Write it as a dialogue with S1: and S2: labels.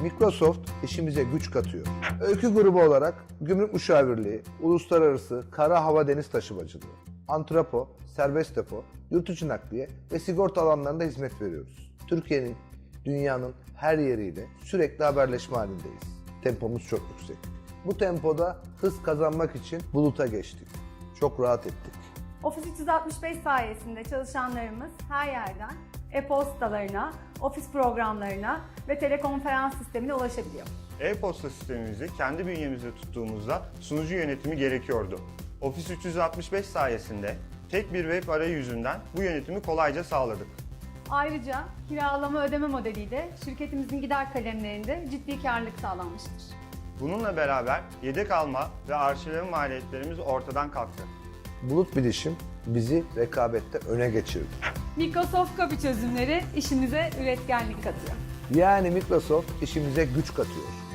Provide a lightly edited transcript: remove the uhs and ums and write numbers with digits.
S1: Microsoft işimize güç katıyor. Öykü grubu olarak gümrük müşavirliği, uluslararası kara hava deniz taşımacılığı, antrepo, serbest depo, yurt içi nakliye ve sigorta alanlarında hizmet veriyoruz. Türkiye'nin, dünyanın her yeriyle sürekli haberleşme halindeyiz. Tempomuz çok yüksek. Bu tempoda hız kazanmak için buluta geçtik. Çok rahat ettik.
S2: Office 365 sayesinde çalışanlarımız her yerden e-postalarına, ofis programlarına ve telekonferans sistemine ulaşabiliyor.
S3: E-posta sistemimizi kendi bünyemizde tuttuğumuzda sunucu yönetimi gerekiyordu. Office 365 sayesinde tek bir web arayüzünden bu yönetimi kolayca sağladık.
S2: Ayrıca kiralama ödeme modeliyle şirketimizin gider kalemlerinde ciddi karlılık sağlanmıştır.
S3: Bununla beraber yedek alma ve arşivleme maliyetlerimiz ortadan kalktı.
S1: Bulut bilişim bizi rekabette öne geçirdi.
S2: Microsoft Copy çözümleri işimize üretkenlik katıyor.
S1: Yani Microsoft işimize güç katıyor.